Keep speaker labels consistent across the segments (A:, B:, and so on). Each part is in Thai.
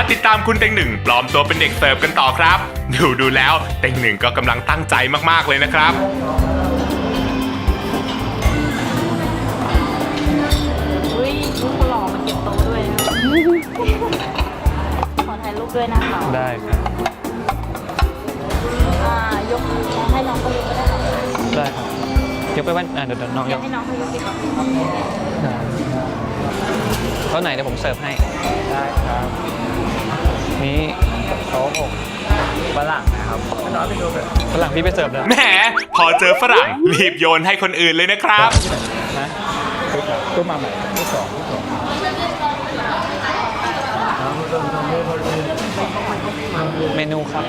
A: ติดตามคุณเต็งหนึ่งปลอมตัวเป็นเด็กเสิร์ฟกันต่อครับดูแล้วเต็งหนึ่งก็กำลังตั้งใจมากๆเลยนะครับ
B: อุ้ยลูกหล่อมาเก็บโต๊ะด้วยนะขอถ่ายรูปด้วยนะคะ
C: ได้ครับ
B: ยกให้น้องเขายกก็ได้ค่ะ
C: ได้ครับยกไปว่าเดี๋ยวน้องยก
B: ให้น้องเขายกดีกว่า
C: ได้เท่าไหนเดี๋ยวผมเสิร์ฟให้
D: ได้ครับ
C: นี่
D: โต๊ะหกฝรั่งนะครับน้องไปดูแบบ
C: ฝรั่งพี่ไปเสิร์ฟแล้ว
A: แหมพอเจอฝรั่งรีบโยนให้คนอื่นเลยนะครับ
D: นะตู้มาใหม่ตู้สอง
C: เมนูครับ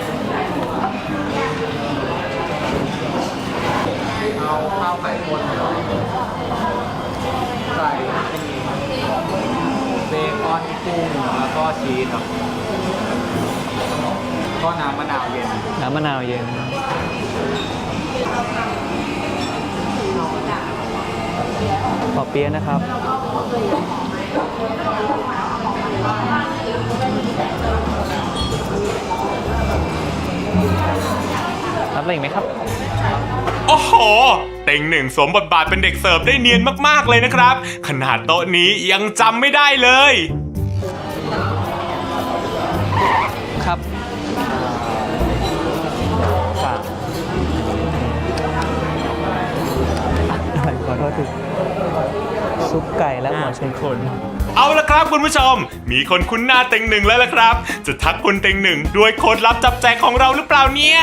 D: เอาข้าวไข่ข้นใส่เบคอนกุ้งแล้วก็ชีสครับก็น้ำมะนาวเย็น
C: น้ำมะนาวเย็นปอเปี๊ยะนะครับรับอะไรอีกไหมครับ
A: โอ้โหเต็งหนึ่งสวมบทบาทเป็นเด็กเสิร์ฟได้เนียนมากๆเลยนะครับขนาดโต๊ะนี้ยังจำไม่ได้เลย
C: ครับฝากขอโทษทีซุปไก่และหัวไชโคร
A: เอาละครับคุณผู้ชมมีคนคุ้นหน้าเต็งหนึ่งแล้วล่ะครับจะทักคุณเต็งหนึ่งด้วยโค้ดลับจับแจกของเราหรือเปล่าเนี่ย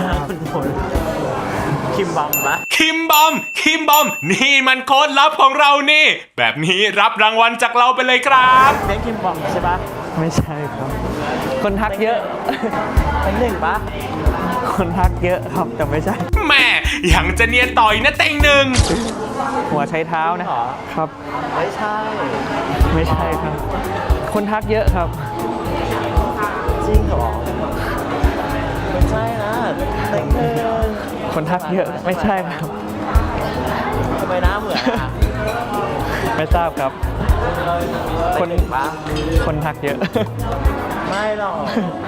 D: คิมบัมปะ
A: คิมบอมนี่มันโค้ดลับของเรานี่ แบบนี้รับรางวัลจากเราไปเลยครับ
D: เลี้ยงคิมบัมใช่ปะ
C: ไม่ใช่ครับ คนทักเยอะ
D: เป็นหนึ่งปะ
C: คนทักเยอะครับแต่ไม่ใช่
A: แม่ยังจะเนียนต่อยนะเต็งหนึ่ง
C: หัวใช้เท้านะ
D: หรอ
C: ครับ
D: ไม่ใช่
C: ไม่ใช่ครับ คนทักเยอะครับ
D: จริงเหรอไม่ใช่นะเต็งหนึ่ง
C: คนทักเยอะไม่ใช่ครับ
D: ทำไมหน้าเหมือนอ่ะ
C: ไม่ทราบครับ
D: คนหนึ่งปะ
C: คนทักเยอะ
D: ไม่หรอก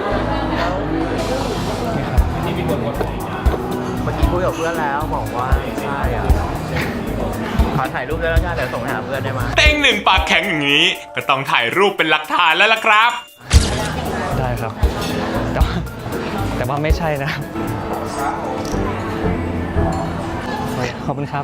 D: เมื่อกี้คุยกับเพื่อนแล้วบอกว่าไม่ใช่อ่ะขอถ่ายรูปได้แล้วจ้าเดี๋ยวส่งให้หาเพื่อนได้ไหม
A: เต็งหนึ่งปากแข็งอย่างนี้ ก็ต้องถ่ายรูปเป็นหลักฐานแล้วล่ะครับ
C: ได้ครับ แต่ว่าไม่ใช่นะครับขอบคุณครับ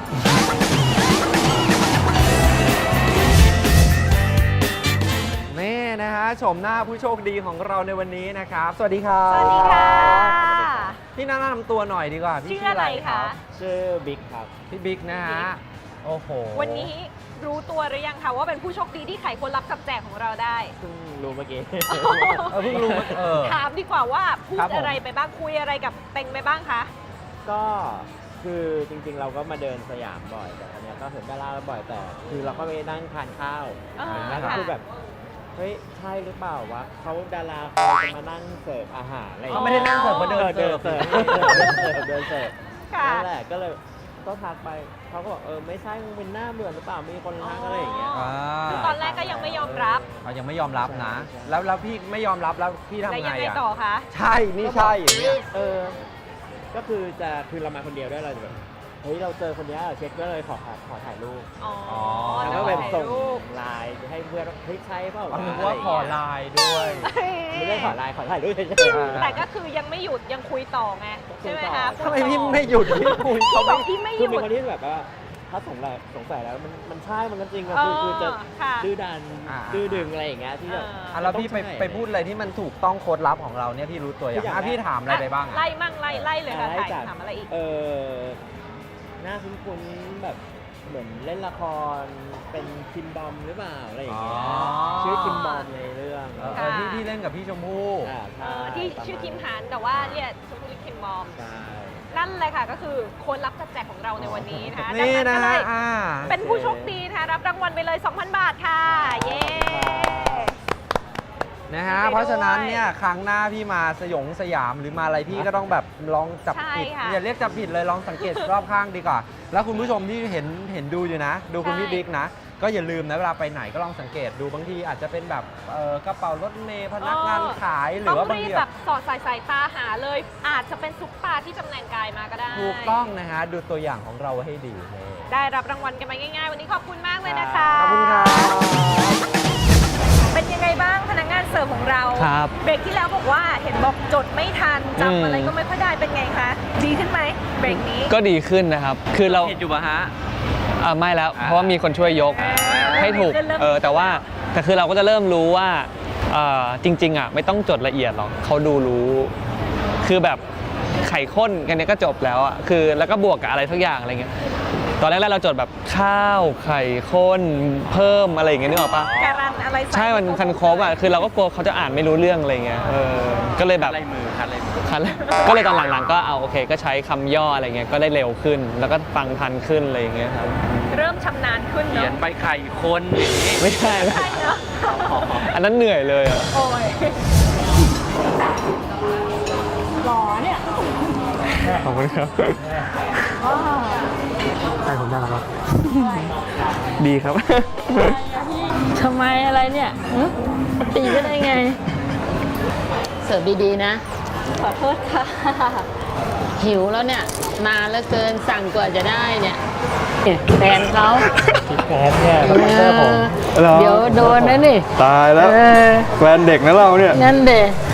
D: นี่นะฮะชมหน้าผู้โชคดีของเราในวันนี้นะครับ สวัสดีครับ
B: สวัสดีค่ะ
D: พี่แนะนำตัวหน่อยดีกว่าพี่
B: ชื่ออะไรคะ
D: ชื่อบิ๊กครับพี่บิ๊กนะฮะโอ้โห
B: วันนี้รู้ตัวหรือยังคะว่าเป็นผู้โชคดีที่ไขคนรับจับแจกของเราได้
D: เพิ่งรู้เมื่อกี้ เพิ่งรู้
B: ถามดีกว่าว่าพูด
D: ครับผม
B: อะไรไปบ้างคุยอะไรกับเต็งไปบ้างคะ
E: ก็คือจริงๆเราก็มาเดินสยามบ่อยแต่อันเนี้ยก็เห็นดาราบ่อยแต่คือเราก็ไปนั่งทานข้าว
B: อ่า
E: แล้วก็
B: ค่ะ
E: คือแบบเฮ้ยใช่หรือเปล่าวะเขาดาราเขาจะมานั่งเสิร์ฟอาหารอะไรอย่าง
D: เขา
E: เงี้ย
D: ไม่ได้นั่งเสิร์ฟมาเดิน
E: เดิน
D: เสิ
E: เสิ
D: ร์
E: ร์
D: ฟ
E: ฟเดินเสิร์ฟ
B: ค่ะ
E: นั่นแหละก็เลยก็ทักไปเขาก็บอกไม่ใช่มึงเป็นหน้าเบื่อหรือเปล่ามีคนทักอะไรอย่างเงี้ย
B: คือตอนแรกก็ยังไม่ยอมรับ
D: เขายังไม่ยอมรับนะ แล้วพี่ไม่ยอมรับแล้วพี่ทำ
B: แล้ว
D: ไง
B: ยังไง
D: อ่ะ
B: ต่อคะ
D: ใช่นี่ใช่อย่างเงี้ย
E: ก็คือเรามาคนเดียวด้วยเราจะแบบเฮ้ยเราเจอคนเนี้ยเช็คก็เลยขอถ่ายรูป
B: อ๋อ
E: แล้วก็แบบส่ง
B: รูป
E: ไลน์ให้เพื่อนว่าเฮ้ยใช่เปล่า
D: อ๋อนึก
E: ะ
D: ว่า
E: ไรย่ง
D: ขอ
E: เงี้ย
D: ไลน์ด้วย
E: ไม่ได้ขอไลน์ขอถ่ายรูปเฉย
B: แต่ก็คือยังไม่หยุดยังคุยต่อไงใช่ไหมคะ
D: ทำไมพี่ไม่หยุดพี่คุย
B: เขาบอกพี่ไม่ห
E: คือ
B: ยุ
E: มี
B: ด
E: คนที่แบบว่าถ้าสงสัยแล้วมันใช่มันก็จริงอะคือจะ
B: ค่ะ
E: ดื้อดันดื้อดึงอะไรอย่างเงี้ยที่แบบ
D: อ่ะแล้วพี่ไปพูดอะไรที่มันถูกต้องโค้ดลับของเราเนี่ยพี่รู้ตัวอย่างพี่ถามอะไรไปบ้าง
B: ไล่มั่งไล่เลยค่ะ
E: ไล่
B: ถ่าย
E: จาก
B: ถามอะไรอีก
E: หน้าคุ้นๆแบบเหมือนเล่นละครเป็นคิมบอมหรือเปล่าอะไรอย่างเงี้ยชื่อคิมบอมในเรื่อง
D: ที่เล่นกับพี่ชมพู่
E: ใช่
B: ที่ชื่อคิมหานแต่ว่าเรียกชมพูลิคิมบอม
E: ใช่
B: นั่นเลยค่ะก็คือคนรับจับแจกของเราในวันนี้นะคะ
D: นี่
B: ดั
D: นะ
B: งก็เล
D: ฮะ
B: ยเป็นผู้โชคดีนะคะรับรางวัลไปเลย 2,000 บาทค่ะ เย้
D: นะฮะเพราะฉะนั้นเนี่ยครั้งหน้าพี่มาสยามหรือมาอะไรพี่ก็ต้องแบบลองจับผิด
B: ใช่ค่ะ
D: อย่าเรียกจับผิดเลยลองสังเกตรอบข้างดีกว่า แล้วคุณผู้ชมที่เห็นดูอยู่นะ ดูคุณพี่บิ๊กนะก็อย่าลืมนะเวลาไปไหนก็ลองสังเกตดูบางทีอาจจะเป็นแบบกระเป๋ารถเมล์พนักงานขายหรือว่า
B: ต้
D: บาง
B: รี
D: ที
B: บแบบสอดสายตาหาเลย อาจจะเป็นซุปตาที่จำแรงกายมาก็ได้
D: ถูกต้องนะฮะดูตัวอย่างของเราไว้ให้ดีนี่
B: ได้รับรางวัลกันไปง่ายๆ วันนี้ขอบคุณมากเลยนะคะ
D: ขอบคุณครับ
B: เป็นยังไงบ้างพนักงานเสิร์ฟของเรา
C: ครับ
B: เบรกที่แล้วบอกว่าเห็นบอกจดไม่ทันจำอะไรก็ไม่ค่อยได้เป็นไงคะ ดีขึ้นไหมเบรกนี้
C: ก็ดีขึ้นนะครับ คือเรา
D: เห็นอยู่ปะฮะ
C: ไม่แล้ว เพราะว่ามีคนช่วยยกให้ถูก แต่คือเราก็จะเริ่มรู้ว่าจริงๆไม่ต้องจดละเอียดหรอกเขาดูรู้ คือแบบไข่ข้นกันเนี้ยก็จบแล้วคือแล้วก็บวกกับอะไรทุกอย่างอะไรเงี้ยตอนแรกๆเราจดแบบข้าวไข่ข้นเพิ่มอะไรอย่างเงี้ยนึกออกปะ
B: การันอะไรใส่
C: ใช่มันคันครบคือเราก็กลัวเขาจะอ่านไม่รู้เรื่องอะไรเงี้ยก็เลยแบบ
D: คัดลายมือ
C: ก็เลยตอนหลังๆก็เอาโอเคก็ใช้คำย่ออะไรเงี้ยก็ได้เร็วขึ้น แล้วก็ฟังทันขึ้นอะไรอย่างเงี้ยครับ
B: เริ่มชำนาญขึ้น
D: เขียน
B: เนาะ
D: ใบไข่คนอย่างนี้
C: ไม่ใช่
B: ใช่เนาะ
C: อันนั้นเหนื่อยเลย
B: โอ้ยหล่อเนี่ย
C: ขอบคุณครับ
E: ใช่ผมได้แล้วครับ
C: ดีครับ
F: ทำไมอะไรเนี่ยหึตีก็ได้ไง เสิร์ฟดีๆนะ
B: ขอโทษค่ะ
F: หิวแล้วเนี่ย นานเหลือเกินสั่งกว่าจะได้เนี่ยแฟนเขา
E: แฟนเนี่ยสปอนเซอร์ผม
F: เดี๋ยวโดนนะนี่
C: ตายแล้ว
F: เออ
C: แฟนเด็กนะเราเนี่ย
F: นั่นเด็